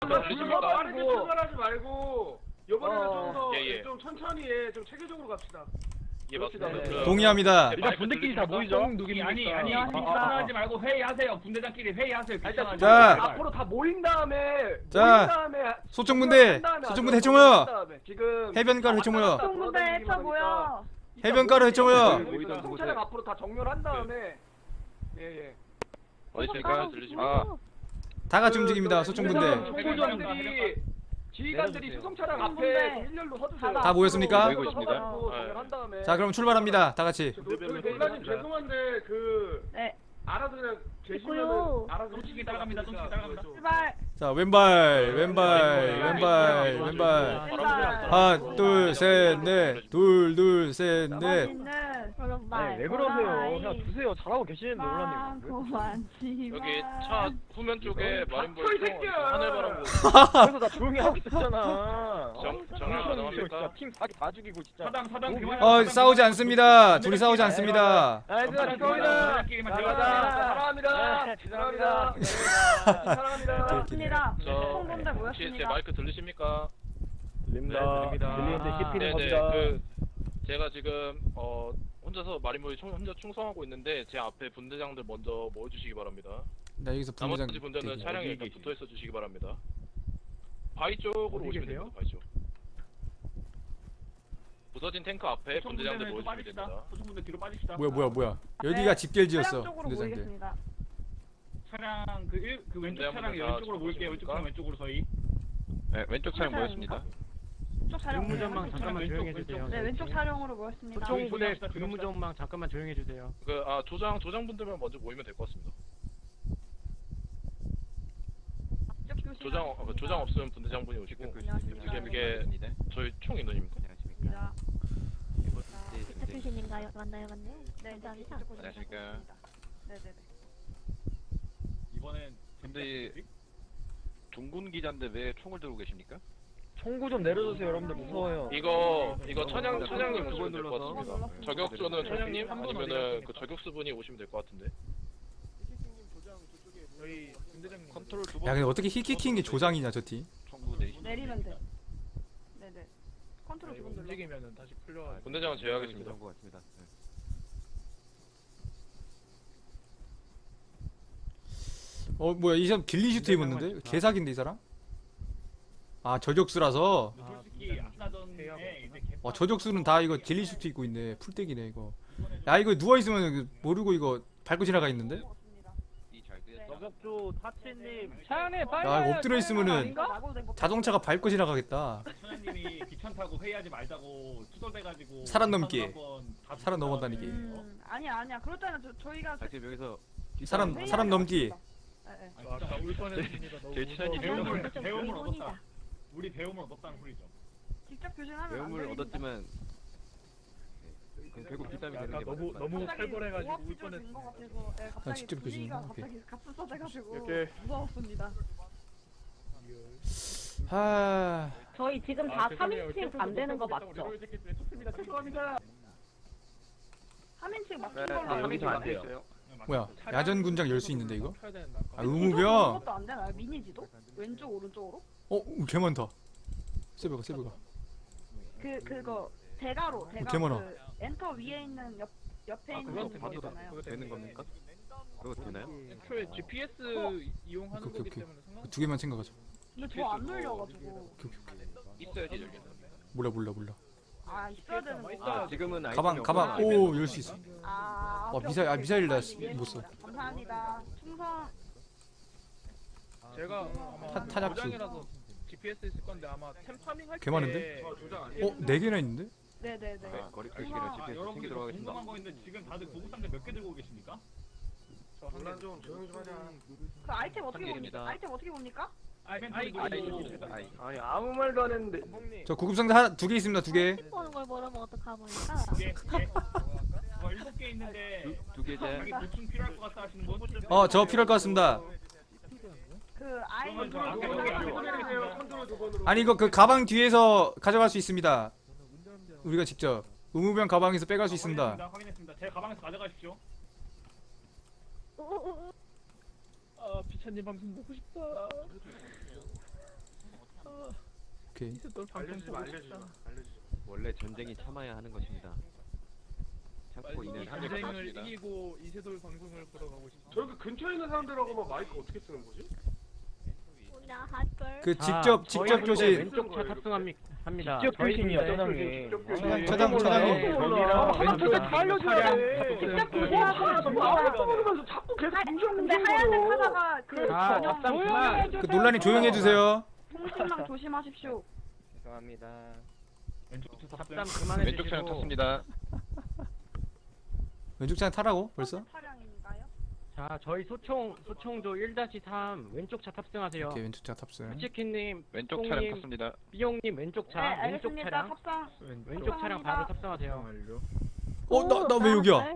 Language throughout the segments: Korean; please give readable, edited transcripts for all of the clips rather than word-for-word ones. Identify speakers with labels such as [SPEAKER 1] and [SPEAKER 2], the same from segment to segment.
[SPEAKER 1] 출발하지 말고 이번에는 좀 천천히 해. 좀 체계적으로 갑시다.
[SPEAKER 2] 예 맞습니다.
[SPEAKER 3] 동의합니다.
[SPEAKER 4] 일단 분들끼리 다 모이죠.
[SPEAKER 5] 아니 귀찮아하지 말고 회의하세요. 분대장끼리 회의하세요.
[SPEAKER 3] 자,
[SPEAKER 1] 앞으로 다 모인 다음에
[SPEAKER 3] 소총분대 해쳐
[SPEAKER 1] 지금
[SPEAKER 3] 해변가로 해쳐 모여.
[SPEAKER 6] 소총분대 해쳐 모여.
[SPEAKER 3] 해변가로 해쳐 모여.
[SPEAKER 1] 총차량 앞으로 다 정렬한 다음에 예.
[SPEAKER 2] 어디 있습니까? 들리십니까?
[SPEAKER 3] 다 같이 움직입니다. 소총분대.
[SPEAKER 1] 총구전들이 지휘관들이 수송차량 앞에 일렬로 서주세요.
[SPEAKER 3] 다 모였습니까?
[SPEAKER 2] 모이고 있습니다.
[SPEAKER 1] 정렬한 다음에.
[SPEAKER 3] 자, 그럼 출발합니다. 다 같이.
[SPEAKER 1] 놀라님 죄송한데
[SPEAKER 6] 네.
[SPEAKER 1] 알아서 그냥 계시면은
[SPEAKER 6] 있고요.
[SPEAKER 1] 알아서
[SPEAKER 5] 솔직히 따라갑니다.
[SPEAKER 6] 출발.
[SPEAKER 3] 자, 왼발. 하나, 둘, 셋, 넷. 둘, 셋, 넷.
[SPEAKER 6] 멋있는 오른발.
[SPEAKER 4] 아니 왜 그러세요? 그냥 두세요. 잘하고 계시는데 올라님.
[SPEAKER 2] 여기 차 후면 쪽에 마린볼
[SPEAKER 1] 닥쳐, 이 새끼야!
[SPEAKER 2] 하늘바람
[SPEAKER 4] 그래서 나 조용히 하고 있었잖아.
[SPEAKER 2] 정말 가능합니까?
[SPEAKER 4] 팀 사기 다 죽이고 진짜.
[SPEAKER 5] 사당
[SPEAKER 3] 싸우지 않습니다. 둘이 싸우지 않습니다.
[SPEAKER 4] 얘들아 죄송합니다.
[SPEAKER 1] 사랑합니다. 사랑합니다.
[SPEAKER 6] 맞습니다.
[SPEAKER 2] 저
[SPEAKER 6] 총분대
[SPEAKER 2] 혹시 제
[SPEAKER 6] 모였습니다.
[SPEAKER 2] 마이크 들리십니까?
[SPEAKER 4] 들립니다. 들리는데 씹히는
[SPEAKER 2] 네네
[SPEAKER 4] 겁니다.
[SPEAKER 2] 제가 지금 혼자서 마린볼이 혼자 충성하고 있는데 제 앞에 분대장들 먼저 모여주시기 바랍니다.
[SPEAKER 3] 나 여기서 분대장.
[SPEAKER 2] 나머지 분들은 차량에 일단 붙어 있어 주시기 바랍니다. 바위 쪽으로 오시면 됩니다. 바위 쪽. 부서진 탱크 앞에 분대장들 모여주시면 됩니다.
[SPEAKER 5] 소총분대 뒤로 빠집시다.
[SPEAKER 3] 뭐야. 여기가 집결지였어.
[SPEAKER 6] 차량 쪽으로
[SPEAKER 3] 분대장들.
[SPEAKER 6] 모이겠습니다.
[SPEAKER 5] 차량 그 왼쪽 차량이 왼쪽으로 모일게요. 왼쪽 차량 왼쪽으로 서희.
[SPEAKER 2] 네, 왼쪽 차량 모였습니다.
[SPEAKER 6] 왼쪽 차량.
[SPEAKER 4] 근무전망 잠깐만 조용히 해주세요.
[SPEAKER 6] 네, 왼쪽 차량으로 모였습니다.
[SPEAKER 4] 소총부대 근무전망 잠깐만 조용히 해주세요.
[SPEAKER 2] 조장분들만 먼저 모이면 될 것 같습니다.
[SPEAKER 6] 조심하겠습니다.
[SPEAKER 2] 조장 없으면 분대장분이 오시고 지금 이게 저희 총 인원입니다.
[SPEAKER 6] 안녕하십니까.
[SPEAKER 7] 대표신인가요? 맞나요?
[SPEAKER 6] 네,
[SPEAKER 7] 감사합니다.
[SPEAKER 2] 안녕하십니까.
[SPEAKER 6] 네네네.
[SPEAKER 5] 이번엔
[SPEAKER 2] 근데 종군 기자인데 왜 총을 들고 계십니까?
[SPEAKER 4] 총구 좀 내려주세요. 여러분들 무서워요.
[SPEAKER 2] 이거 천양님 오시면 될 것 같습니다. 저격수는 천양님 아니면은 그 저격수분이 오시면 될 것 같은데. 컨트롤 두
[SPEAKER 3] 야, 근데 어떻게 히키키인 게 조장이냐, 저 팀.
[SPEAKER 2] 총구 내리시.
[SPEAKER 6] 내리면 돼. 네네. 컨트롤 두번 눌러.
[SPEAKER 1] 움직이면은 다시 풀려.
[SPEAKER 2] 분대장은 제외하겠습니다.
[SPEAKER 3] 뭐야, 이 사람 길리슈트 입었는데? 개사기인데, 이 사람? 아, 저격수라서?
[SPEAKER 5] 솔직히 아까 전에 이제
[SPEAKER 3] 저격수는 다 이거 길리슈트 입고 있네. 풀떼기네, 이거. 야, 이거 누워있으면 모르고 이거 밟고 지나가 있는데?
[SPEAKER 4] 저격조 타치님 차안에 빨리.
[SPEAKER 3] 야, 이거 엎드려 있으면은 자동차가 밟고 지나가겠다.
[SPEAKER 5] 천연님이 귀찮다고 회의하지 말자고 투덜대가지고
[SPEAKER 3] 사람 넘기. 사람 넘어다니기.
[SPEAKER 6] 아니야. 그럴 때는 저희가
[SPEAKER 3] 사람 넘기.
[SPEAKER 1] 아까 울 뻔했습니다.
[SPEAKER 2] 제 친한
[SPEAKER 5] 배움을 얻었다. 우리 배움을 얻었다는 소리죠.
[SPEAKER 6] 직접 교신하면 안
[SPEAKER 8] 배움을
[SPEAKER 6] 됩니다.
[SPEAKER 8] 얻었지만 결국 뒷담이 되는 게
[SPEAKER 1] 너무 살벌해가지고 울
[SPEAKER 6] 뻔했어.
[SPEAKER 1] 뻔했어.
[SPEAKER 6] 갑자기
[SPEAKER 3] 직접
[SPEAKER 6] 분위기가
[SPEAKER 3] 교신.
[SPEAKER 6] 갑자기 갑분싸돼가지고
[SPEAKER 1] 이렇게.
[SPEAKER 6] 무서웠습니다.
[SPEAKER 3] 하...
[SPEAKER 7] 저희 지금 다 3인칭 안 되는 거 맞죠?
[SPEAKER 1] 죄송합니다.
[SPEAKER 6] 3인칭 맞춘
[SPEAKER 2] 네,
[SPEAKER 6] 걸로
[SPEAKER 2] 여기서 안 돼요.
[SPEAKER 3] 뭐야, 야전군장 열 수 있는데, 이거? 아,
[SPEAKER 6] 왼쪽으로
[SPEAKER 3] 의무병?
[SPEAKER 6] 것도 안 되나요? 미니지도? 왼쪽 오른쪽으로?
[SPEAKER 3] 개 많다. 세브가.
[SPEAKER 6] 그거 대가로
[SPEAKER 3] 개 많아.
[SPEAKER 6] 그 엔터 위에 있는 옆에 있는
[SPEAKER 8] 그건
[SPEAKER 6] 거
[SPEAKER 8] 봐도
[SPEAKER 6] 있잖아요.
[SPEAKER 8] 되는 겁니까? 그거 되나요?
[SPEAKER 1] 애초에 GPS 이용하는
[SPEAKER 3] 오케이,
[SPEAKER 1] 거기
[SPEAKER 3] 오케이.
[SPEAKER 1] 때문에 상관.
[SPEAKER 3] 두 개만 생각하자.
[SPEAKER 6] 근데 저 안 눌려가지고.
[SPEAKER 2] 있어야지 열리는.
[SPEAKER 3] 몰라.
[SPEAKER 6] 아 있어야 되는 거.
[SPEAKER 8] 지금은
[SPEAKER 3] 가방, 오, 열 수 있어.
[SPEAKER 6] 아
[SPEAKER 3] 와,
[SPEAKER 6] 오케이,
[SPEAKER 3] 미사일,
[SPEAKER 6] 오케이.
[SPEAKER 3] 미사일 나
[SPEAKER 6] 이해했습니다.
[SPEAKER 3] 못 써.
[SPEAKER 6] 감사합니다. 충성.
[SPEAKER 1] 제가 아마
[SPEAKER 3] 타작수.
[SPEAKER 1] 조장이라서 GPS 있을 건데 아마 템파밍 할때
[SPEAKER 3] 개 많은데?
[SPEAKER 1] 조장 아니에요?
[SPEAKER 3] 네 개나 있는데?
[SPEAKER 6] 네네네.
[SPEAKER 8] 거리 표시기랑 GPS 챙겨
[SPEAKER 5] 여러분들
[SPEAKER 8] 들어가겠습니다.
[SPEAKER 5] 궁금한 거 있는데 지금 다들 고급 상자 몇 개 들고 계십니까?
[SPEAKER 1] 저 한란 좀 조용히 좀 하자.
[SPEAKER 6] 그 아이템 어떻게
[SPEAKER 8] 한길입니다.
[SPEAKER 6] 봅니까? 아이템 어떻게 봅니까?
[SPEAKER 8] 아이.
[SPEAKER 1] 아무 말도 안 했는데.
[SPEAKER 3] 저 구급상자 두 개 있습니다, 두 개.
[SPEAKER 7] 보는 걸 모르면 어떡하니까?
[SPEAKER 5] 두 개. 그거 7개 있는데
[SPEAKER 8] 두 개째.
[SPEAKER 5] 자기 보충 필요할 것 같다 하시는 분?
[SPEAKER 3] 저 필요할 것 같습니다.
[SPEAKER 6] 그 아이
[SPEAKER 5] 그러면 저 아까
[SPEAKER 1] 컨트롤 두 번으로.
[SPEAKER 3] 아니, 이거 그 가방 뒤에서 가져갈 수 있습니다. 우리가 직접. 의무병 가방에서 빼갈 수 있습니다.
[SPEAKER 5] 확인했습니다. 제 가방에서 가져가십시오.
[SPEAKER 1] 아 비찬님 방송 보고 싶다.
[SPEAKER 3] 오케이.
[SPEAKER 1] 알려주지마 알려주지마.
[SPEAKER 8] 원래 전쟁이 참아야 하는 것입니다. 참고 있는 한계
[SPEAKER 5] 전쟁을 이기고 이세돌 방송을 보러 가고 싶다.
[SPEAKER 1] 저렇게 근처에 있는 사람들하고만 마이크 어떻게 쓰는 거지?
[SPEAKER 7] 뭐냐 할걸.
[SPEAKER 3] 그
[SPEAKER 4] 자,
[SPEAKER 3] 직접
[SPEAKER 4] 저희
[SPEAKER 3] 직접
[SPEAKER 4] 군대
[SPEAKER 3] 교신.
[SPEAKER 4] 왼쪽 차 탑승합니다.
[SPEAKER 5] 직접 교신이야,
[SPEAKER 4] 저희 군대
[SPEAKER 5] 저장이.
[SPEAKER 1] 직접
[SPEAKER 3] 차장,
[SPEAKER 1] 교신.
[SPEAKER 3] 차장, 차장님.
[SPEAKER 4] 여기랑
[SPEAKER 1] 하나 둘 셋 다 알려줘야 돼.
[SPEAKER 6] 직접 교신하고
[SPEAKER 1] 모르면서 자꾸 계속
[SPEAKER 6] 근데 하얀색 하다가 그
[SPEAKER 4] 자,
[SPEAKER 6] 전용
[SPEAKER 4] 잡담 그만.
[SPEAKER 3] 그 논란이 조용해 주세요.
[SPEAKER 6] 통신망 조심하십시오.
[SPEAKER 4] 죄송합니다.
[SPEAKER 5] 왼쪽 차
[SPEAKER 4] 잡담
[SPEAKER 5] 탑승.
[SPEAKER 4] 그만해
[SPEAKER 2] 왼쪽 차량
[SPEAKER 4] 주시고.
[SPEAKER 2] 탔습니다.
[SPEAKER 3] 왼쪽 차량 타라고 벌써?
[SPEAKER 6] 차량인가요?
[SPEAKER 4] 자, 저희 소총조 1-3 왼쪽 차 탑승하세요.
[SPEAKER 3] 오케이 왼쪽 차 탑승.
[SPEAKER 4] 치킨님,
[SPEAKER 2] 왼쪽 차량
[SPEAKER 4] 똥님,
[SPEAKER 2] 탔습니다.
[SPEAKER 4] 삐용님 왼쪽
[SPEAKER 6] 네,
[SPEAKER 4] 차, 왼쪽
[SPEAKER 6] 알겠습니다.
[SPEAKER 4] 차량,
[SPEAKER 6] 탑상.
[SPEAKER 4] 왼쪽 차량 바로 탑승하세요.
[SPEAKER 3] 나 왜 여기야?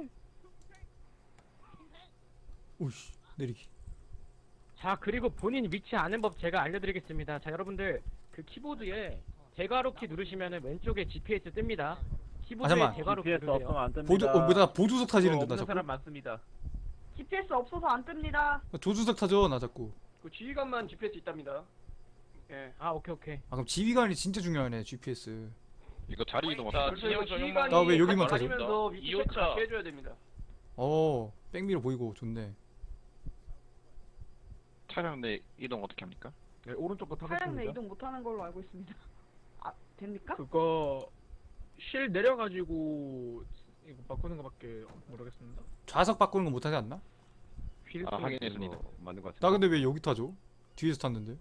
[SPEAKER 3] 오씨 내리기.
[SPEAKER 4] 자, 그리고 본인 위치 아는 법 제가 알려드리겠습니다. 자, 여러분들 그 키보드에 대괄호 키 누르시면은 왼쪽에 GPS 뜹니다. 키보드에
[SPEAKER 3] 잠깐만.
[SPEAKER 4] 대괄호 키 누르세요.
[SPEAKER 3] 보조 나 보조석 타지는데 나
[SPEAKER 5] 없는
[SPEAKER 3] 자꾸.
[SPEAKER 5] 사람 많습니다.
[SPEAKER 6] GPS 없어서 안 뜹니다.
[SPEAKER 3] 조수석 타죠 나 자꾸.
[SPEAKER 1] 그 지휘관만 GPS 있답니다. 예.
[SPEAKER 4] 아, 오케이.
[SPEAKER 3] 아 그럼 지휘관이 진짜 중요하네 GPS.
[SPEAKER 2] 이거 자리 이동
[SPEAKER 1] 자,
[SPEAKER 2] 없습니다.
[SPEAKER 1] 진영 전용만.
[SPEAKER 3] 나왜 여기만 타죠?
[SPEAKER 1] 다니면서 위치 체크
[SPEAKER 2] 2호차.
[SPEAKER 1] 같이 해줘야 됩니다.
[SPEAKER 3] 백미러 보이고 좋네.
[SPEAKER 2] 차량 내 이동 어떻게 합니까?
[SPEAKER 5] 네, 오른쪽부터
[SPEAKER 6] 차량 내 이동 못하는 걸로 알고 있습니다. 아 됩니까?
[SPEAKER 5] 그거 실 내려가지고 이거 바꾸는 거밖에 모르겠습니다.
[SPEAKER 3] 좌석 바꾸는 거 못하지 않나?
[SPEAKER 8] 휠
[SPEAKER 2] 아, 확인했습니다.
[SPEAKER 8] 맞는 것 같습니다.
[SPEAKER 3] 나 근데 왜 여기 타죠? 뒤에서 탔는데.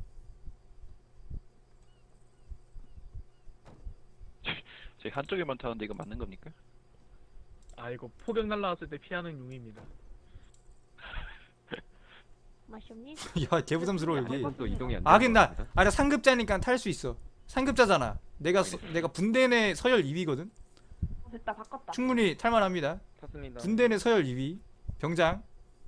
[SPEAKER 2] 제 한쪽에만 타는데 이거 맞는 겁니까?
[SPEAKER 5] 아 이거 포격 날라왔을 때 피하는 용입니다.
[SPEAKER 7] 맛이 없니?
[SPEAKER 3] 야 개부담스러워 여기.
[SPEAKER 8] 또 이동이 안
[SPEAKER 3] 하긴
[SPEAKER 8] 되는 것 같습니다.
[SPEAKER 3] 나 상급자니까 탈 수 있어. 상급자잖아. 내가 분대 내 서열 2위거든.
[SPEAKER 6] 됐다 바꿨다.
[SPEAKER 3] 충분히 탈만합니다.
[SPEAKER 4] 탔습니다.
[SPEAKER 3] 분대 내 서열 2위. 병장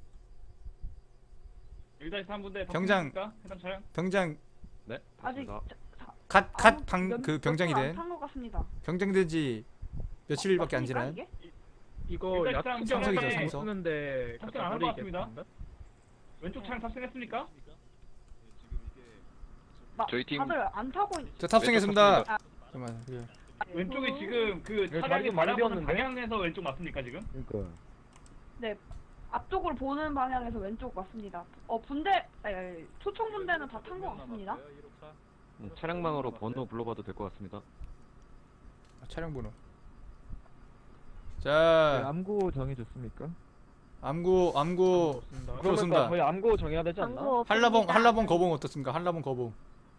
[SPEAKER 5] 1-3분대
[SPEAKER 3] 병장.
[SPEAKER 5] 해당 차량?
[SPEAKER 3] 병장
[SPEAKER 8] 네.
[SPEAKER 6] 아직
[SPEAKER 3] 갓 그 병장이 된
[SPEAKER 6] 안탄것 같습니다.
[SPEAKER 3] 병장 된지 며칠밖에 안 지난.
[SPEAKER 6] 이게?
[SPEAKER 5] 이거 야
[SPEAKER 3] 상석이죠,
[SPEAKER 5] 투경을 못
[SPEAKER 3] 상석.
[SPEAKER 5] 쓰는데
[SPEAKER 9] 탑승 안한것 같습니다. 왼쪽 차량 탑승했습니까?
[SPEAKER 2] 저희 팀-
[SPEAKER 6] 다들 안 타고
[SPEAKER 3] 저 탑승했습니다.
[SPEAKER 2] 왼쪽
[SPEAKER 3] 잠깐만. 그래.
[SPEAKER 9] 왼쪽이 지금 그
[SPEAKER 4] 네,
[SPEAKER 9] 차량이
[SPEAKER 4] 자리도 많이
[SPEAKER 9] 바라보는
[SPEAKER 4] 비었는데?
[SPEAKER 9] 방향에서 왼쪽 맞습니까 지금?
[SPEAKER 4] 그러니까.
[SPEAKER 6] 앞쪽으로 보는 방향에서 왼쪽 맞습니다. 분대 초총 분대는 다 탄 것 같습니다.
[SPEAKER 8] 차량망으로 번호 불러봐도 될 것 같습니다.
[SPEAKER 3] 차량 번호. 자,
[SPEAKER 4] 암구 정해줬습니까?
[SPEAKER 3] 암구 그렇습니다.
[SPEAKER 4] 저희 암구 정해야 되지
[SPEAKER 7] 광고
[SPEAKER 3] 한라봉 거봉 어떻습니까? 한라봉 거봉.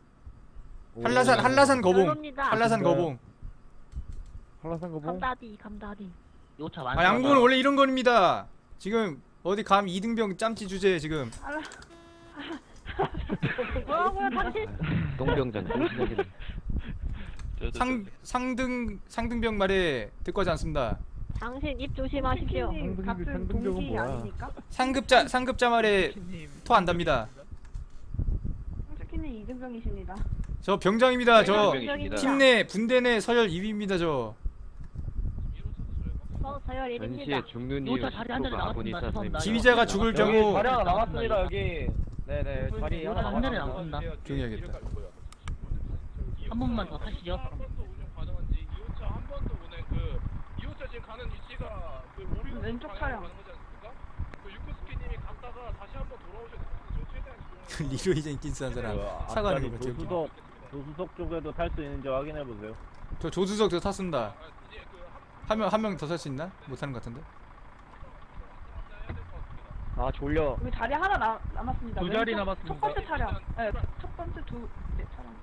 [SPEAKER 3] 한라산 거봉.
[SPEAKER 7] 별로입니다.
[SPEAKER 3] 한라산 거봉.
[SPEAKER 4] 한라산 거봉.
[SPEAKER 7] 감다디.
[SPEAKER 4] 요차
[SPEAKER 3] 아, 양구는 원래 이런 겁니다. 지금 어디 감 2등병 짬찌 주제 지금.
[SPEAKER 7] 뭐라고요 당신?
[SPEAKER 8] 똥병장 정신력이네.
[SPEAKER 3] 상등병 말에 듣고 하지 않습니다.
[SPEAKER 7] 당신 입 조심하십시오.
[SPEAKER 6] 치킨님 같은 동기 아닙니까?
[SPEAKER 3] 상급자 말에 토 안답니다.
[SPEAKER 6] 치킨님 이등병이십니다.
[SPEAKER 3] 저 병장입니다. 저
[SPEAKER 2] 병장입니다.
[SPEAKER 3] 팀 내 분대 내 서열 2위입니다. 저.
[SPEAKER 7] 서열 1입니다.
[SPEAKER 8] 전시에 죽는 이유 10%가 아군이 사서입니다.
[SPEAKER 3] 지휘자가 죽을 경우
[SPEAKER 4] 자리 하나 남았습니다 여기. 네네 자리 하나
[SPEAKER 7] 한 대는
[SPEAKER 4] 남았습니다.
[SPEAKER 7] 남습니다.
[SPEAKER 3] 조용히 해야겠다.
[SPEAKER 7] 한 번만 더 타시죠.
[SPEAKER 2] 한 번도 운영 가능한지 2호차 한 번도 운행 그 2호차 지금 가는 위치가 그 오류
[SPEAKER 6] 왼쪽
[SPEAKER 2] 방향으로
[SPEAKER 6] 차량.
[SPEAKER 2] 가는 거지 않습니까? 그 유쿠스키님이 갔다가 다시 한 번 돌아오셔야 됩니다. 저 최대한 이동을
[SPEAKER 3] 리로이 젠킨스한 사람 사과하는 거 같아요. 여기.
[SPEAKER 9] 조수석 쪽에도 탈 수 있는지 확인해 보세요.
[SPEAKER 3] 저 조수석 저 탔습니다.
[SPEAKER 2] 아, 이제 그
[SPEAKER 3] 한 명 더 살 수 있나? 못 타는 것 같은데.
[SPEAKER 4] 아 졸려.
[SPEAKER 6] 여기 자리 하나 남았습니다.
[SPEAKER 5] 두 자리
[SPEAKER 6] 왼쪽
[SPEAKER 5] 남았습니다.
[SPEAKER 6] 첫 번째 차량. 첫 번째 차량.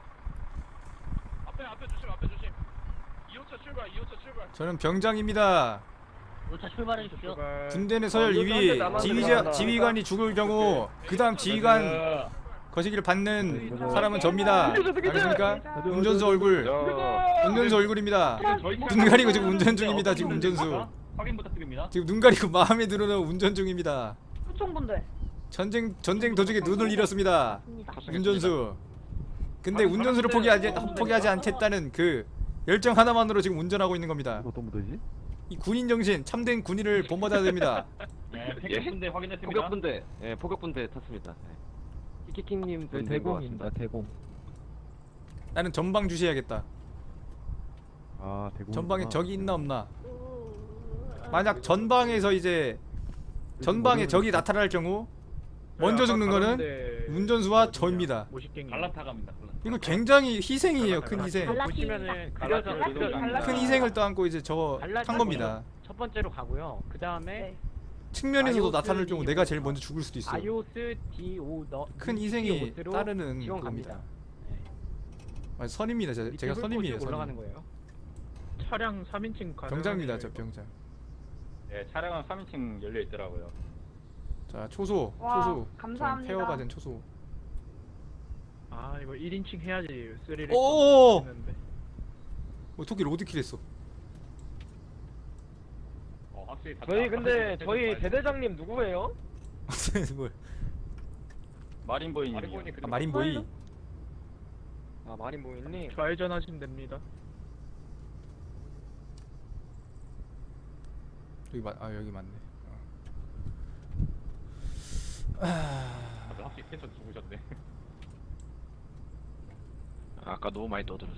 [SPEAKER 2] 앞에 조심 2호차 출발
[SPEAKER 3] 저는 병장입니다.
[SPEAKER 7] 요차 출발해 주십시오.
[SPEAKER 3] 군대 내 서열 2위. 지휘관이 죽을 경우 그다음 지휘관 거시기를 받는 사람은 접니다. 알겠습니까? 운전수 얼굴. 운전수 얼굴입니다. 눈 가리고 지금 운전 중입니다. 지금 운전수.
[SPEAKER 9] 확인 부탁드립니다.
[SPEAKER 3] 지금 눈 가리고 마음에 들어는 운전 중입니다.
[SPEAKER 6] 초총 분대.
[SPEAKER 3] 전쟁 도중에 눈을 잃었습니다.
[SPEAKER 7] 맞습니다.
[SPEAKER 3] 운전수. 근데 운전수를 포기하지 않겠다는 그 열정 하나만으로 지금 운전하고 있는 겁니다.
[SPEAKER 4] 어떤 무대지?
[SPEAKER 3] 이 군인 정신, 참된 군인을 본받아야 됩니다.
[SPEAKER 9] 네, 택배분대 확인했습니다.
[SPEAKER 8] 포격분대, 포격분대 탔습니다. 네.
[SPEAKER 4] 키키킹님
[SPEAKER 8] 그
[SPEAKER 4] 대공입니다 대공.
[SPEAKER 3] 나는 전방 주시해야겠다.
[SPEAKER 8] 아 대구.
[SPEAKER 3] 전방에 적이 있나 없나. 만약 전방에서 이제 전방에 적이 나타날 경우 먼저 죽는 거는 운전수와 저입니다.
[SPEAKER 5] 갈라타 갑니다.
[SPEAKER 3] 이거 굉장히 희생이에요. 큰 희생.
[SPEAKER 4] 보시면은 그려져
[SPEAKER 3] 큰 희생을 떠안고 이제 저거 한 겁니다.
[SPEAKER 4] 첫 번째로 가고요. 그 다음에
[SPEAKER 6] 네.
[SPEAKER 3] 측면에서도
[SPEAKER 4] 아이오스
[SPEAKER 3] 나타날 경우
[SPEAKER 4] D5.
[SPEAKER 3] 내가 제일 먼저 죽을 수도 있어.
[SPEAKER 4] 아이오스 D5
[SPEAKER 3] 큰 희생이
[SPEAKER 4] D5로
[SPEAKER 3] 따르는
[SPEAKER 4] 지원
[SPEAKER 3] 겁니다.
[SPEAKER 4] 갑니다.
[SPEAKER 3] 아, 선임입니다. 제가 선임이에요.
[SPEAKER 4] 올라가는
[SPEAKER 3] 선임.
[SPEAKER 4] 거예요.
[SPEAKER 1] 차량 3인칭 가능.
[SPEAKER 3] 병장입니다. 저 병장.
[SPEAKER 9] 네, 차량은 3인칭 열려 있더라고요.
[SPEAKER 3] 자 초소
[SPEAKER 6] 와,
[SPEAKER 3] 초소.
[SPEAKER 6] 감사합니다.
[SPEAKER 3] 좀 페어가 된 초소.
[SPEAKER 1] 아 이거 1인칭 해야지. 스릴이.
[SPEAKER 3] 오! 토끼 로드킬 했어.
[SPEAKER 9] 확실히
[SPEAKER 5] 저희 근데 저희 대대장님 누구예요?
[SPEAKER 3] 뭘?
[SPEAKER 9] 마린보이님이요.
[SPEAKER 3] 아, 마린보이.
[SPEAKER 5] 아 마린보이님.
[SPEAKER 1] 좌회전 하시면 됩니다.
[SPEAKER 3] 여기 맞네.
[SPEAKER 9] 확실히 텐션 죽으셨네.
[SPEAKER 2] 아까 너무 많이 떠들었어.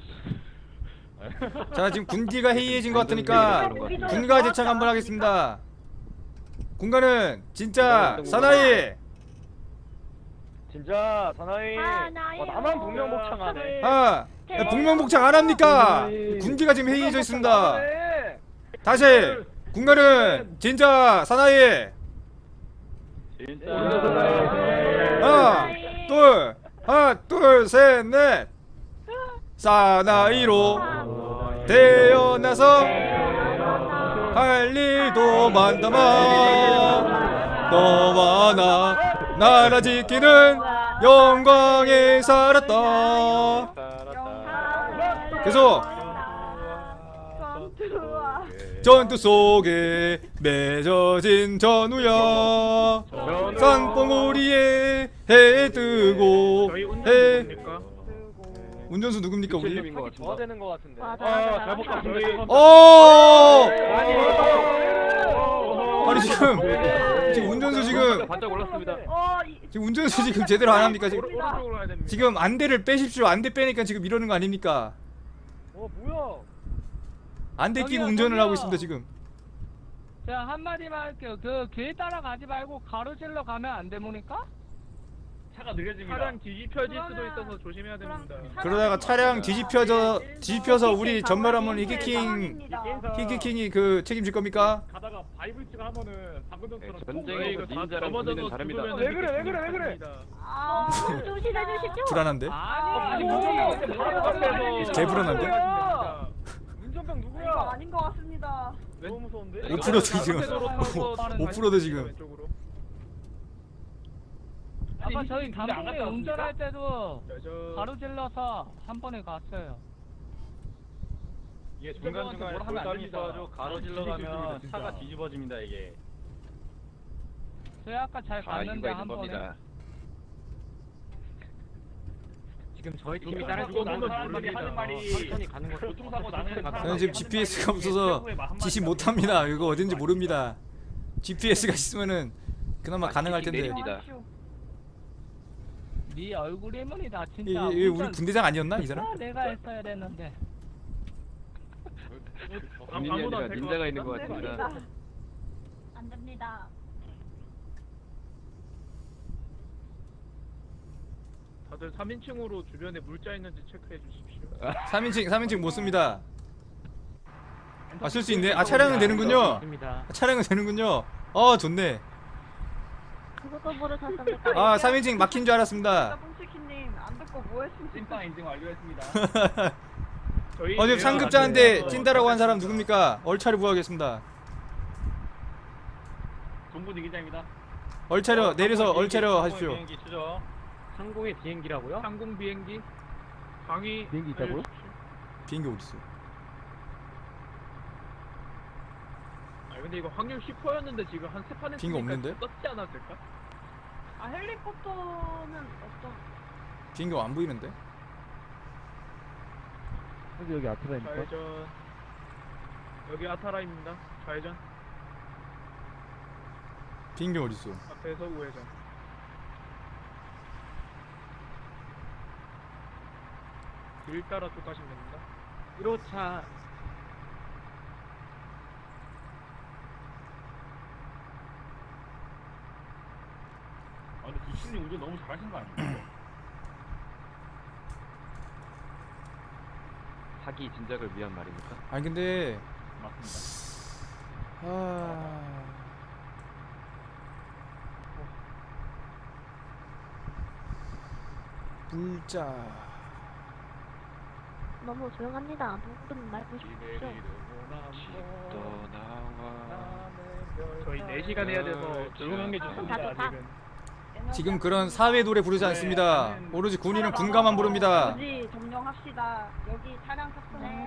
[SPEAKER 3] 자 지금 군기가 해이해진 것 같으니까 군가 제창 한번 하겠습니다. 군가는 진짜 사나이.
[SPEAKER 5] 진짜 사나이.
[SPEAKER 7] 사나이요.
[SPEAKER 5] 나만 북명복창하네.
[SPEAKER 3] 아 북명복창 안 합니까? 군기가 지금 해이해져 있습니다. 다시 군가는 진짜 사나이. 하나 둘 셋 넷. 사나이로 태어나서 할 일도 많다만 너와 나 나라 지키는 영광에 살았다. 계속 전투 속에 맺어진 전우야 산봉우리에 해 뜨고
[SPEAKER 1] 저희
[SPEAKER 3] 해
[SPEAKER 1] 운전 누굽니까?
[SPEAKER 3] 운전수 누굽니까 우리?
[SPEAKER 5] 저야 되는 것 같은데.
[SPEAKER 7] 맞아.
[SPEAKER 3] 오! 아니 지금 운전수 지금
[SPEAKER 5] 반짝 올랐습니다.
[SPEAKER 3] 지금 운전수 지금 제대로 안 합니까 지금?
[SPEAKER 1] 오른쪽으로 가야 됩니다.
[SPEAKER 3] 지금 안대를 빼십시오. 안대 빼니까 지금 이러는 거 아닙니까?
[SPEAKER 5] 뭐야?
[SPEAKER 3] 안대 끼고
[SPEAKER 4] 저기요,
[SPEAKER 3] 운전을
[SPEAKER 4] 저기요.
[SPEAKER 3] 하고 있습니다 지금.
[SPEAKER 4] 자 한마디만 할게요. 그 길 따라가지 말고 가로질러 가면 안 됩니까?
[SPEAKER 5] 차가 느려집니다.
[SPEAKER 1] 차량 뒤집혀질 수도 있어서 조심해야 됩니다.
[SPEAKER 3] 그러다가 차량 뒤집혀서 우리 전멸하면 히키킹이 그 책임질 겁니까?
[SPEAKER 5] 가다가 바이블스가 하면은 방금전처럼
[SPEAKER 8] 전쟁에서 닌자랑 군인은 다릅니다.
[SPEAKER 5] 왜 그래?
[SPEAKER 7] 아, 조심해 주십시오.
[SPEAKER 3] 불안한데?
[SPEAKER 5] 아니
[SPEAKER 3] 개 불안한데?
[SPEAKER 5] 운전병
[SPEAKER 6] 이거
[SPEAKER 5] 누구야?
[SPEAKER 6] 아닌 것 같습니다.
[SPEAKER 5] 너무 무서운데?
[SPEAKER 3] 5%도 지금 5%도 지금.
[SPEAKER 4] 아까 저희 단풍에 운전할 때도
[SPEAKER 1] 저
[SPEAKER 4] 가로질러서 한 번에 갔어요.
[SPEAKER 9] 이게 중간중간에 돌담이 있어가지고 가로질러 가면 차가 뒤집어집니다 이게.
[SPEAKER 4] 저희 아까 잘 갔는데 한 번에. 지금 저희 팀이
[SPEAKER 5] 따라주고
[SPEAKER 4] 따라주고
[SPEAKER 5] 나는 사람들이 하는 말이
[SPEAKER 4] 천천히 가는 거
[SPEAKER 5] 교통사고 나는
[SPEAKER 3] 저는 지금 GPS가 없어서 지시 못합니다. 이거 어딘지 모릅니다. GPS가 있으면은 그나마 가능할 텐데.
[SPEAKER 4] 네 얼굴이면이 나 진짜.
[SPEAKER 3] 이 우리 군대장 아니었나 이 사람?
[SPEAKER 4] 내가 했어야 됐는데.
[SPEAKER 8] 군인이 아니라 닌자가 있는 것 같습니다.
[SPEAKER 7] 안 됩니다.
[SPEAKER 1] 다들 3인칭으로 주변에 물자 있는지 체크해 주십시오.
[SPEAKER 3] 3인칭 못 씁니다. 아 쓸 수 있네. 아 차량은 되는군요. 차량은 되는군요. 좋네.
[SPEAKER 7] 그것도 모르셨습니까?
[SPEAKER 3] 아 3인칭 막힌 줄 알았습니다.
[SPEAKER 6] 뽕치키님 안 듣고 뭐 했습니까?
[SPEAKER 5] 찐빵 인증 완료했습니다.
[SPEAKER 3] 지금 상급자한테 찐다라고 한 사람 누굽니까? 얼차려 부하겠습니다.
[SPEAKER 5] 동부 기자입니다.
[SPEAKER 3] 얼차려 내려서 얼차려 하십시오.
[SPEAKER 9] 비행기 추적.
[SPEAKER 4] 항공의 비행기라고요?
[SPEAKER 1] 항공 비행기 강의
[SPEAKER 4] 비행기 있다고요?
[SPEAKER 3] 비행기 어디 있어?
[SPEAKER 1] 아 근데 이거 확률 10%였는데 지금 한 세 판에
[SPEAKER 3] 비행기 없는데?
[SPEAKER 1] 떴지 않았을까?
[SPEAKER 6] 아 헬리콥터는 없죠.
[SPEAKER 3] 비행기 안 보이는데?
[SPEAKER 4] 여기 아트라입니까?
[SPEAKER 1] 좌회전. 여기 아타라입니다. 좌회전.
[SPEAKER 3] 비행기 어디 있어?
[SPEAKER 1] 앞에서 우회전.
[SPEAKER 2] 길 따라 쭉 가시면 됩니다.
[SPEAKER 4] 1호차
[SPEAKER 5] 아 근데 두신님 운전 너무 잘하신 거 아니에요?
[SPEAKER 8] 사기 진작을 위한 말입니까?
[SPEAKER 3] 아니 근데
[SPEAKER 5] 맞습니다.
[SPEAKER 3] 물자
[SPEAKER 7] 너무 조용합니다. 누구든 말고 싶죠.
[SPEAKER 2] 저희 4시간 해야 돼서 조용한 게 좋습니다.
[SPEAKER 7] 좋다.
[SPEAKER 3] 지금 그런 사회 노래 부르지 않습니다. 오로지 군인은 군가만 부릅니다.
[SPEAKER 6] 굳이 점령합시다. 여기 차량 탑승해.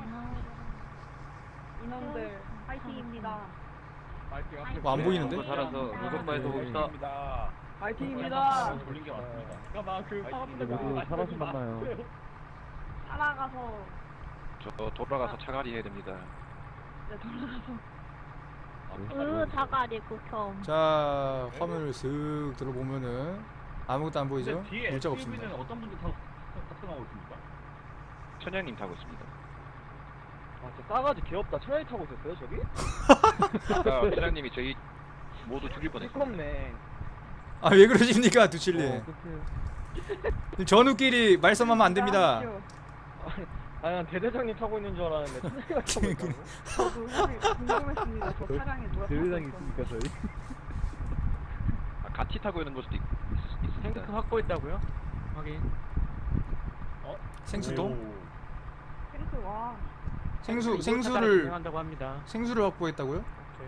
[SPEAKER 6] 인원들 파이팅입니다.
[SPEAKER 3] 뭐 안 보이는데?
[SPEAKER 8] 살아서 무속바에서 봅시다.
[SPEAKER 6] 파이팅입니다.
[SPEAKER 5] 돌린 게 맞습니다.
[SPEAKER 2] 잠깐만 그 사람들
[SPEAKER 4] 살아서 만나요.
[SPEAKER 6] 살아가서
[SPEAKER 2] 저 돌아가서 차가리 해야 됩니다.
[SPEAKER 6] 네, 돌아가서
[SPEAKER 7] 자가리 극혐.
[SPEAKER 3] 자 화면을 슥 들어보면은 아무것도 안 보이죠?
[SPEAKER 5] 근데 뒤에
[SPEAKER 3] 물자가
[SPEAKER 5] SUV는
[SPEAKER 3] 없습니다.
[SPEAKER 5] 어떤 분들 탑승하고 있습니까?
[SPEAKER 2] 천양님 타고 있습니다.
[SPEAKER 4] 싸가지 귀엽다. 차라리 타고 있었어요 저기?
[SPEAKER 2] 아까 천양님이 저희 모두 죽일 뻔했어요.
[SPEAKER 4] 시끄럽네.
[SPEAKER 3] 아 왜 그러십니까 두칠리? 전우끼리 말썽하면 안 됩니다.
[SPEAKER 4] 아니 난 대대장님 타고 있는 줄 알았는데 천재가 타고 있다고?
[SPEAKER 6] 저도 사실 궁금했습니다. 저 차량에 누가
[SPEAKER 4] 대대장이
[SPEAKER 6] 타고
[SPEAKER 4] 있으니까 저희
[SPEAKER 2] 같이 타고 있는 것도
[SPEAKER 4] 탱크
[SPEAKER 2] 있습니다.
[SPEAKER 4] 확보했다고요? 확인.
[SPEAKER 3] 생수도?
[SPEAKER 6] 탱크 와.
[SPEAKER 3] 생수를
[SPEAKER 4] 한다고 합니다.
[SPEAKER 3] 생수를 확보했다고요?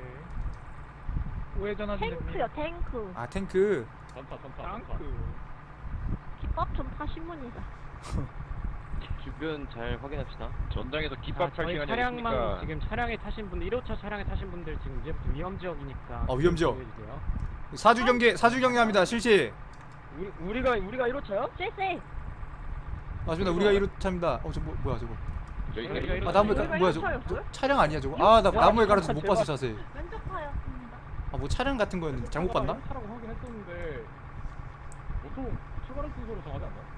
[SPEAKER 2] 우회전하시면
[SPEAKER 7] 탱크요, 탱크.
[SPEAKER 3] 아 탱크.
[SPEAKER 7] 기법 좀 타신문이다.
[SPEAKER 8] 주변 잘 확인합시다.
[SPEAKER 2] 전장에서 깃밥 탈
[SPEAKER 4] 저희
[SPEAKER 2] 시간이
[SPEAKER 4] 차량만
[SPEAKER 2] 있으니까
[SPEAKER 4] 지금 차량에 타신 분들 1호차 차량에 타신 분들 지금 이제부터 위험 지역이니까.
[SPEAKER 3] 위험 지역.
[SPEAKER 4] 주의해주세요.
[SPEAKER 3] 사주 경계합니다. 실시.
[SPEAKER 4] 우리가 1호차요?
[SPEAKER 7] 쎄쎄.
[SPEAKER 3] 맞습니다. 우리가 1호차입니다. 저 뭐야 저거?
[SPEAKER 2] 저희가
[SPEAKER 3] 아 나무에
[SPEAKER 6] 저희가
[SPEAKER 3] 뭐야 저거?
[SPEAKER 6] 1호차였어요?
[SPEAKER 3] 차량 아니야 저거? 아 나 나무에 갈아서 못 봤어 자세히.
[SPEAKER 7] 왼쪽 파였습니다.
[SPEAKER 3] 아 뭐 차량 같은 거였는데 잘못 봤나?
[SPEAKER 2] 차라고 확인했었는데 보통 출발할 순서로 정하지 않나요?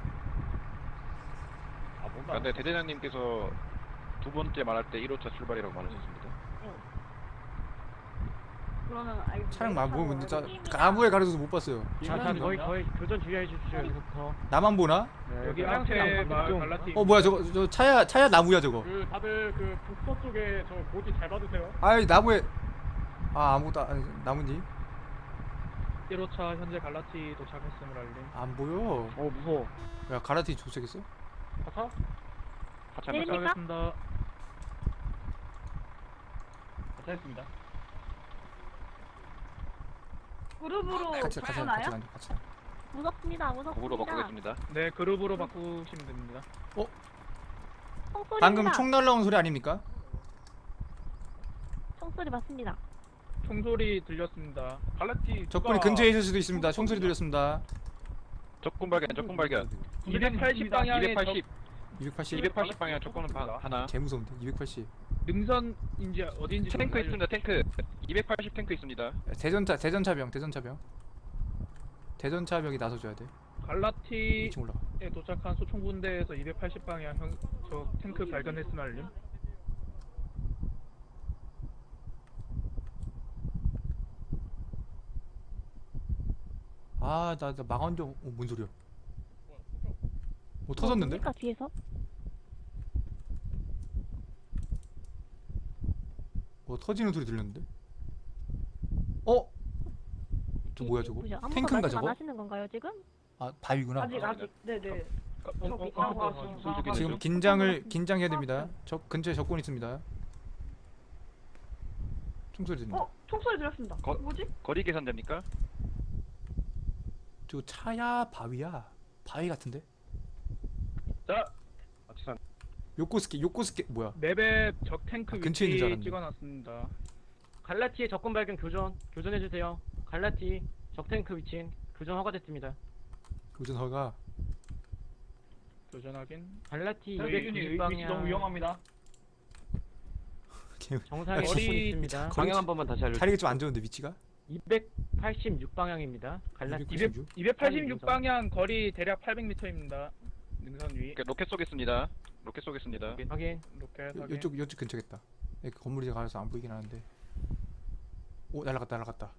[SPEAKER 2] 근데 대대장님께서 두 번째 말할 때 1호차 출발이라고 말하셨습니다.
[SPEAKER 6] 그러면 알겠습니다.
[SPEAKER 3] 차량 막 보고 근데 나무에 가려서 못 봤어요.
[SPEAKER 4] 자, 거의 교전 주의해 주십시오. 여기부터.
[SPEAKER 3] 나만 보나?
[SPEAKER 2] 여기
[SPEAKER 4] 차량
[SPEAKER 2] 앞에 말
[SPEAKER 4] 좀-
[SPEAKER 2] 갈라티.
[SPEAKER 3] 뭐야 저거 차야 나무야 저거.
[SPEAKER 2] 그 다들 그 북서 쪽에 저 고지 잘 받으세요.
[SPEAKER 3] 아이 나무에 아무것도 아니 나무니?
[SPEAKER 2] 1호차 현재 갈라티 도착했음을 알림.
[SPEAKER 3] 안 보여.
[SPEAKER 4] 무서워.
[SPEAKER 3] 야 가라티 도착했어?
[SPEAKER 2] 하차? 하차
[SPEAKER 7] 내립니까?
[SPEAKER 2] 도착하겠습니다.
[SPEAKER 5] 잘했습니다.
[SPEAKER 6] 그룹으로
[SPEAKER 3] 같이
[SPEAKER 6] 가나요?
[SPEAKER 3] 같이.
[SPEAKER 7] 무섭습니다, 무섭습니다.
[SPEAKER 2] 곡으로 바꾸겠습니다. 네, 그룹으로 바꾸시면 됩니다.
[SPEAKER 7] 총소리입니다.
[SPEAKER 3] 방금 총 날라온 소리 아닙니까?
[SPEAKER 7] 총소리 맞습니다.
[SPEAKER 2] 총소리 들렸습니다. 갈라티
[SPEAKER 3] 적군이 근처에 있을 수도 있습니다. 총소리 들렸습니다.
[SPEAKER 2] 적군 발견, 적군 발견.
[SPEAKER 5] 280 방향에
[SPEAKER 2] 280,
[SPEAKER 3] 280.
[SPEAKER 2] 280 방향 적군은 하나.
[SPEAKER 3] 개 무서운데 280.
[SPEAKER 2] 능선인지 어디인지 탱크 있습니다. 탱크. 280 탱크 있습니다.
[SPEAKER 3] 대전차병. 대전차병이 나서줘야 돼.
[SPEAKER 2] 갈라티에
[SPEAKER 3] 2층 올라가.
[SPEAKER 2] 도착한 소총분대에서 280 방향 저 탱크 발견했음 알림.
[SPEAKER 3] 나 망원경. 뭔 소리야? 뭐 터졌는데?
[SPEAKER 7] 뭡니까, 뒤에서?
[SPEAKER 3] 뭐 터지는 소리 들렸는데? 저 뭐야 저거?
[SPEAKER 7] 뭐죠? 아무도
[SPEAKER 3] 탱크인가
[SPEAKER 7] 말씀 안
[SPEAKER 3] 저거?
[SPEAKER 7] 하시는 건가요 지금?
[SPEAKER 3] 아 바위구나.
[SPEAKER 6] 아직 네네.
[SPEAKER 3] 지금 긴장해야 됩니다. 적 근처에 적군 있습니다. 총소리 들립니다.
[SPEAKER 6] 총소리 들었습니다. 뭐지?
[SPEAKER 2] 거리 계산됩니까?
[SPEAKER 3] 저 차야 바위야? 바위 같은데?
[SPEAKER 2] 자,
[SPEAKER 3] 요코스케 뭐야?
[SPEAKER 2] 맵에 적 탱크
[SPEAKER 3] 근처에 있는 줄
[SPEAKER 2] 위치
[SPEAKER 3] 알았는데.
[SPEAKER 2] 찍어놨습니다.
[SPEAKER 4] 갈라티의 적군 발견 교전해 주세요. 갈라티 적 탱크 위치 교전 허가됐습니다.
[SPEAKER 3] 교전 허가.
[SPEAKER 2] 교전 확인.
[SPEAKER 4] 갈라티
[SPEAKER 5] 대준이
[SPEAKER 4] 290
[SPEAKER 5] 위치 너무
[SPEAKER 4] 방향
[SPEAKER 5] 위험합니다.
[SPEAKER 4] 정상에
[SPEAKER 3] 거리-
[SPEAKER 4] 적군 있습니다.
[SPEAKER 8] 방향 한 번만 다시 알려주세요.
[SPEAKER 3] 자리가 좀 안 좋은데 위치가?
[SPEAKER 4] 286 방향입니다. 갈라티
[SPEAKER 3] 286?
[SPEAKER 2] 286 방향 거리 대략 800m입니다.
[SPEAKER 5] 능선 위.
[SPEAKER 2] 로켓 쏘겠습니다. 로켓 쏘겠습니다.
[SPEAKER 4] 확인.
[SPEAKER 5] 로켓 확인.
[SPEAKER 3] 이쪽 근처겠다. 그 건물이 가려서 안 보이긴 하는데. 오 날라갔다.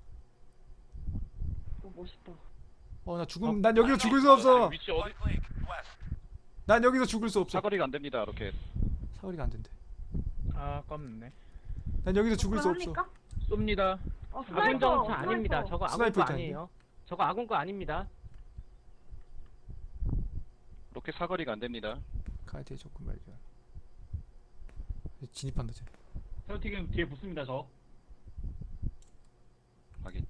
[SPEAKER 6] 오 멋있다.
[SPEAKER 3] 나 죽음. 난 여기서 죽을 수 없어.
[SPEAKER 2] 위치 어디?
[SPEAKER 3] 난 여기서 죽을 수 없어.
[SPEAKER 2] 사거리가 안 됩니다. 로켓.
[SPEAKER 3] 사거리가 안 된대.
[SPEAKER 5] 아 깜네.
[SPEAKER 3] 난 여기서 죽을 수 없어.
[SPEAKER 6] 합니까?
[SPEAKER 5] 쏩니다.
[SPEAKER 6] 어,
[SPEAKER 4] 아군
[SPEAKER 6] 스나이퍼.
[SPEAKER 4] 전차 아닙니다. 저거 아군
[SPEAKER 3] 스나이퍼
[SPEAKER 4] 거
[SPEAKER 3] 있다는데?
[SPEAKER 4] 아니에요. 저거 아군 거 아닙니다.
[SPEAKER 2] 로켓 사거리가 안 됩니다.
[SPEAKER 3] 카이트에 접근 발견. 진입한다 쟤.
[SPEAKER 5] 세우티금 뒤에 붙습니다 저.
[SPEAKER 2] 확인.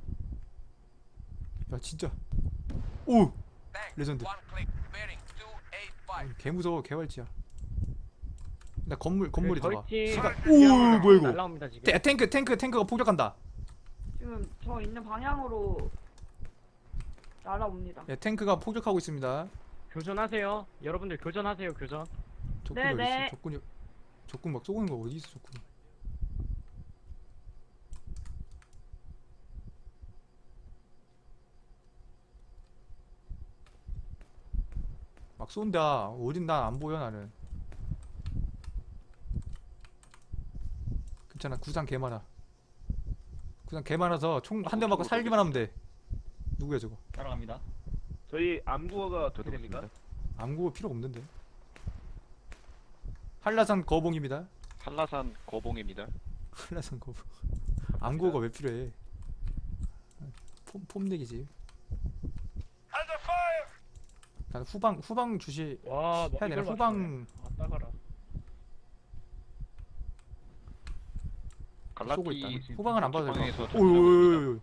[SPEAKER 3] 야 진짜. 오. 레전드. 개 무서워 개활지야. 나 건물이 들어가.
[SPEAKER 4] 저희 팀
[SPEAKER 3] 오 뭐야 이거.
[SPEAKER 4] 날라옵니다 지금.
[SPEAKER 3] 탱크가 폭격한다.
[SPEAKER 6] 지금 저 있는 방향으로 날아옵니다.
[SPEAKER 3] 야 탱크가 폭격하고 있습니다.
[SPEAKER 4] 교전하세요. 여러분들 교전하세요. 교전.
[SPEAKER 3] 적군이 어디
[SPEAKER 6] 네네.
[SPEAKER 3] 있어? 적군 막 쏘는 거 어디 있어 적군? 막 쏜다. 어딘 난 안 보여 나는. 괜찮아 구상 개 많아. 구상 개 많아서 총 한 대 맞고 살기만 하면 돼. 누구야 저거?
[SPEAKER 5] 따라갑니다.
[SPEAKER 1] 저희 암구어가 어떻게 됩니까?
[SPEAKER 3] 암구가 필요 없는데. 한라산 거봉입니다.
[SPEAKER 2] 한라산 거봉입니다.
[SPEAKER 3] 한라산 거봉. 암구가 왜 필요해? 폼내기지. 난 후방 주시
[SPEAKER 5] 와,
[SPEAKER 3] 해야 되나? 후방
[SPEAKER 5] 따가라.
[SPEAKER 3] 쏘고 있다.
[SPEAKER 2] 갈라티
[SPEAKER 3] 후방은 안 봐도 될
[SPEAKER 2] 방에서
[SPEAKER 3] 것 같아.
[SPEAKER 2] 전투하고
[SPEAKER 3] 오오오오.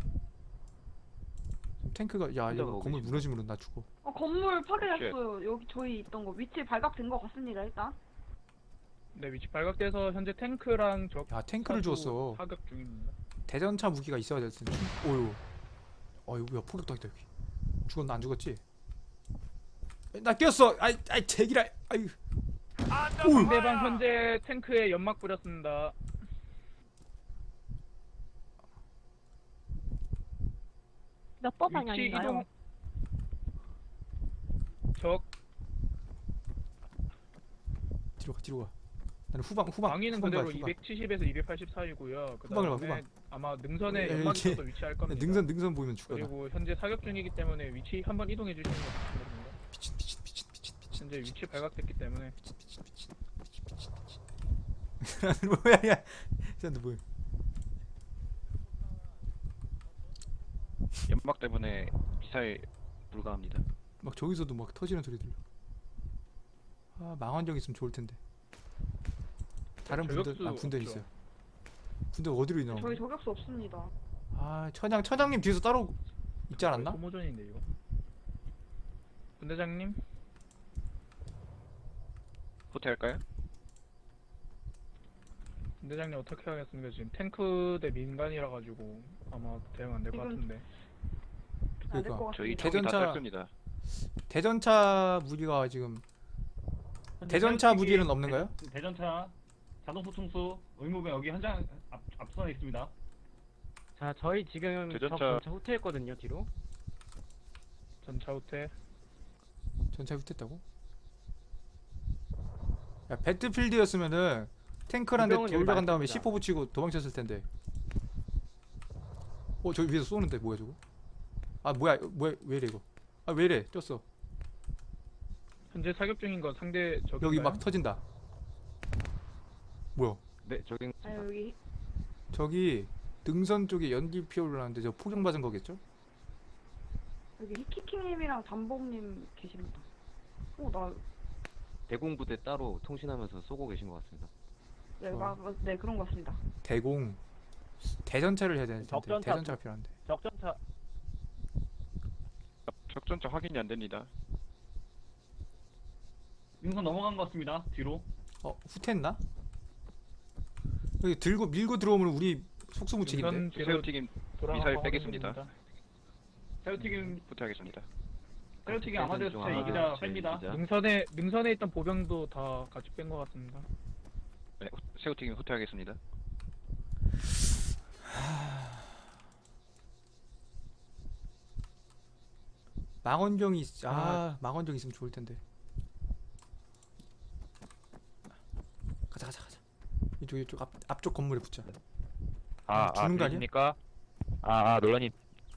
[SPEAKER 3] 탱크가 야 이거
[SPEAKER 8] 혼자
[SPEAKER 3] 건물
[SPEAKER 8] 거기
[SPEAKER 3] 무너지면 나 죽어.
[SPEAKER 6] 건물 파괴됐어요. 여기 저희 있던 거 위치 발각된 것 같습니다. 일단.
[SPEAKER 5] 네, 위치 발각돼서 현재 탱크랑 적
[SPEAKER 3] 야 탱크를
[SPEAKER 5] 사수
[SPEAKER 3] 주었어.
[SPEAKER 5] 사격 중입니다.
[SPEAKER 3] 대전차 무기가 있어야 될 텐데. 오유. 이거 야 포격도 있다 여기. 죽었나 안 죽었지? 나 꼈어. 아이 제기라. 아유. 오.
[SPEAKER 5] 상대방 현재 탱크에 연막 뿌렸습니다.
[SPEAKER 7] 몇 번
[SPEAKER 5] 위치
[SPEAKER 7] 방향인가요?
[SPEAKER 5] 이동. 적
[SPEAKER 3] 뒤로 가. 나는 후방
[SPEAKER 5] 방위는
[SPEAKER 3] 후방
[SPEAKER 5] 그대로
[SPEAKER 3] 봐요, 후방.
[SPEAKER 5] 270에서 280 사이고요. 그
[SPEAKER 3] 후방을 봐,
[SPEAKER 5] 다음에
[SPEAKER 3] 후방.
[SPEAKER 5] 아마 능선에
[SPEAKER 3] 야,
[SPEAKER 5] 연막이
[SPEAKER 3] 이게-
[SPEAKER 5] 또 위치할 겁니다.
[SPEAKER 3] 능선 보이면 죽어. 나.
[SPEAKER 5] 그리고 현재 사격 중이기 때문에 위치 한번 이동해 주시는 거 부탁드립니다.
[SPEAKER 3] 미친.
[SPEAKER 5] 현재 위치 발각됐기 때문에
[SPEAKER 3] 뭐야 야. 쟤는 뭐야?
[SPEAKER 2] 연막 때문에 미사일 불가합니다.
[SPEAKER 3] 막 저기서도 막 터지는 소리 들려. 망원경 있으면 좋을 텐데. 다른
[SPEAKER 5] 저격수
[SPEAKER 3] 분들
[SPEAKER 5] 없죠.
[SPEAKER 3] 있어요. 분들 어디로 있나?
[SPEAKER 6] 저희 저격수 없습니다.
[SPEAKER 3] 처장님 뒤에서 따로 있지 않았나?
[SPEAKER 5] 소모전인데 이거. 분대장님
[SPEAKER 2] 호텔할까요?
[SPEAKER 5] 분대장님 어떻게 하겠습니까? 지금 탱크 대 민간이라 가지고 아마 대응 안 될 것
[SPEAKER 6] 지금
[SPEAKER 5] 같은데.
[SPEAKER 6] 안 될 것
[SPEAKER 3] 그러니까
[SPEAKER 2] 저희
[SPEAKER 6] 같습니다.
[SPEAKER 2] 총이 다
[SPEAKER 3] 대전차-
[SPEAKER 2] 짧습니다.
[SPEAKER 3] 대전차 무기가 지금 대전차 무기는 없는가요?
[SPEAKER 5] 대전차 자동 소총수 의무병 여기 현장 앞선에 있습니다.
[SPEAKER 4] 자, 저희 지금
[SPEAKER 2] 대전차-
[SPEAKER 4] 전차 후퇴했거든요. 뒤로.
[SPEAKER 5] 전차 호텔.
[SPEAKER 3] 전차 후퇴했다고? 야 배틀필드였으면은 탱크란 데
[SPEAKER 4] 공병은 여기
[SPEAKER 3] 돌려간 다음에
[SPEAKER 4] 많습니다.
[SPEAKER 3] C4 붙이고 도망쳤을 텐데. 저기 위에서 쏘는데 뭐야 저거? 뭐야 왜 이래 이거? 왜 이래 쪘어.
[SPEAKER 5] 현재 사격 중인 건 상대 적인가요?
[SPEAKER 3] 여기 막 터진다. 뭐야?
[SPEAKER 8] 네, 저기
[SPEAKER 6] 여기
[SPEAKER 3] 저기 등선 쪽에 연기 피어올라는데 저 폭격 맞은 거겠죠?
[SPEAKER 6] 히키키님이랑 담봉님 계십니다. 나
[SPEAKER 8] 대공부대 따로 통신하면서 쏘고 계신 것 같습니다.
[SPEAKER 6] 네 그런 것 같습니다.
[SPEAKER 3] 대전차를 해야 되는데
[SPEAKER 9] 적전차
[SPEAKER 3] 대전차가 필요한데.
[SPEAKER 9] 적전차
[SPEAKER 2] 적전차 확인이 안 됩니다.
[SPEAKER 5] 능선 넘어간 것 같습니다. 뒤로.
[SPEAKER 3] 후퇴했나? 여기 밀고 들어오면 우리 속수무책인데.
[SPEAKER 5] 능선 뒤로
[SPEAKER 2] 새우튀김
[SPEAKER 5] 돌아가고
[SPEAKER 2] 미사일
[SPEAKER 5] 하는
[SPEAKER 2] 빼겠습니다.
[SPEAKER 5] 중입니다.
[SPEAKER 9] 세우티금
[SPEAKER 2] 후퇴하겠습니다.
[SPEAKER 9] 세우티금 아마데스
[SPEAKER 8] 중
[SPEAKER 9] 차
[SPEAKER 8] 아마데스
[SPEAKER 9] 이기자
[SPEAKER 8] 차
[SPEAKER 9] 뺍니다.
[SPEAKER 8] 이기자.
[SPEAKER 5] 능선에 있던 보병도 다 같이 뺀 것 같습니다.
[SPEAKER 2] 네, 새우튀김 후퇴하겠습니다.
[SPEAKER 3] 망원경이 망원경 있으면 좋을 텐데. 가자. 이쪽 앞쪽 건물에 붙자. 주는 거 아니야?
[SPEAKER 2] 들리십니까? 논란이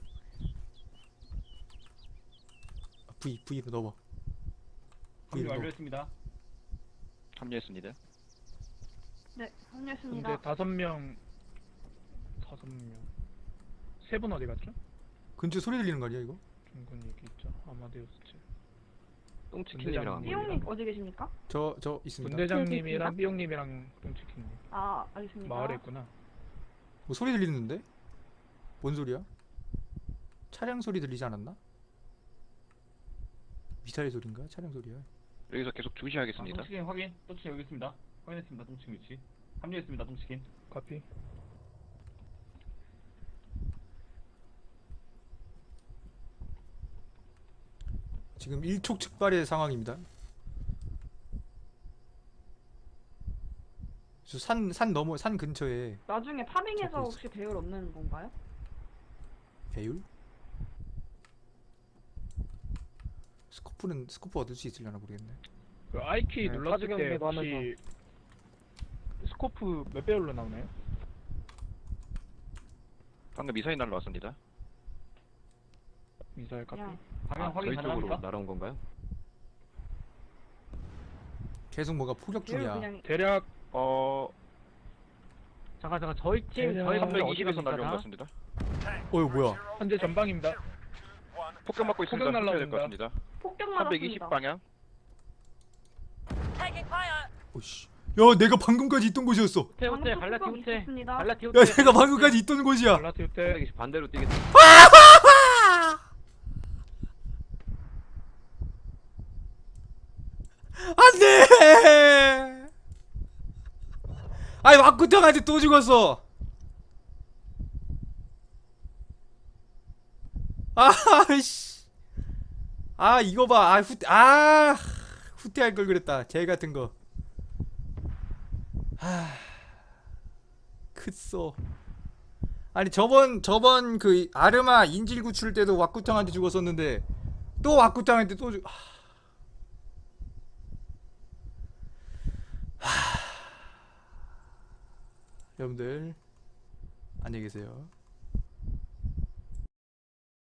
[SPEAKER 3] V로 넣어.
[SPEAKER 9] 합류 완료했습니다.
[SPEAKER 2] 합류했습니다.
[SPEAKER 6] 네, 합류했습니다.
[SPEAKER 5] 근데 5명 세 분 어디 갔죠?
[SPEAKER 3] 근처 소리 들리는 거 아니야 이거?
[SPEAKER 5] 중근 얘기 있죠. 아마데우스 측.
[SPEAKER 8] 똥치킨님이랑
[SPEAKER 6] 삐용님 어디 계십니까?
[SPEAKER 3] 저 있습니다.
[SPEAKER 5] 분대장님이랑 삐용님이랑 똥치킨님
[SPEAKER 6] 아, 알겠습니다.
[SPEAKER 5] 마을에 있구나.
[SPEAKER 3] 뭐 소리 들리는데? 뭔 소리야? 차량 소리 들리지 않았나? 미사일 소리인가? 차량 소리야.
[SPEAKER 2] 여기서 계속 주시하겠습니다.
[SPEAKER 9] 똥치킨 확인. 똥치킨 여기 있습니다. 확인했습니다. 똥치킨 위치. 합류했습니다. 똥치킨.
[SPEAKER 5] 카피.
[SPEAKER 3] 지금 일촉즉발의 상황입니다. 산 근처에
[SPEAKER 6] 나중에 파밍해서
[SPEAKER 3] 잡고 있어.
[SPEAKER 6] 혹시 배율 얻는 건가요?
[SPEAKER 3] 배율? 스코프 얻을 수 있으려나 모르겠네.
[SPEAKER 5] 그 I키
[SPEAKER 4] 네,
[SPEAKER 5] 눌렀을 때
[SPEAKER 4] 사주경계도
[SPEAKER 5] 혹시 스코프 몇 배율로 나오나요?
[SPEAKER 2] 방금 미사일 날라왔습니다.
[SPEAKER 5] 미사일 카피.
[SPEAKER 6] 그냥
[SPEAKER 9] 방향 확인
[SPEAKER 8] 저희 쪽으로
[SPEAKER 9] 가능합니까?
[SPEAKER 8] 날아온 건가요?
[SPEAKER 3] 계속 뭐가 포격
[SPEAKER 6] 배율
[SPEAKER 3] 중이야.
[SPEAKER 6] 그냥
[SPEAKER 5] 대략
[SPEAKER 4] 잠깐 저희 팀 저희 분들 어디
[SPEAKER 2] 320에서 날려온 것
[SPEAKER 4] 갑니까?
[SPEAKER 2] 같습니다.
[SPEAKER 3] 이거 뭐야?
[SPEAKER 5] 현재 전방입니다.
[SPEAKER 2] 폭격 맞고 있으니까
[SPEAKER 5] 폭격
[SPEAKER 2] 폭격해야 될 것
[SPEAKER 5] 날라옵니다.
[SPEAKER 2] 같습니다.
[SPEAKER 6] 폭격
[SPEAKER 2] 320
[SPEAKER 6] 맞았습니다.
[SPEAKER 2] 방향.
[SPEAKER 3] 오씨. 야, 내가 방금까지 있던 곳이었어.
[SPEAKER 4] 호텔
[SPEAKER 6] 방금
[SPEAKER 4] 갈라티
[SPEAKER 6] 폭격
[SPEAKER 4] 호텔
[SPEAKER 6] 있었습니다.
[SPEAKER 4] 갈라티
[SPEAKER 3] 야,
[SPEAKER 4] 호텔
[SPEAKER 3] 내가 방금까지 있던 곳이야.
[SPEAKER 5] 갈라티오 때
[SPEAKER 8] 반대로 뛰겠다.
[SPEAKER 3] 안돼. 아이 와꾸탕한테 또 죽었어. 아씨. 이거 봐. 후퇴할 걸 그랬다. 쟤 같은 거. 크쏘. 아니 저번 그 아르마 인질 구출 때도 와꾸탕한테 죽었었는데 또 와꾸탕한테 또 죽. 여러분들 안녕히 계세요.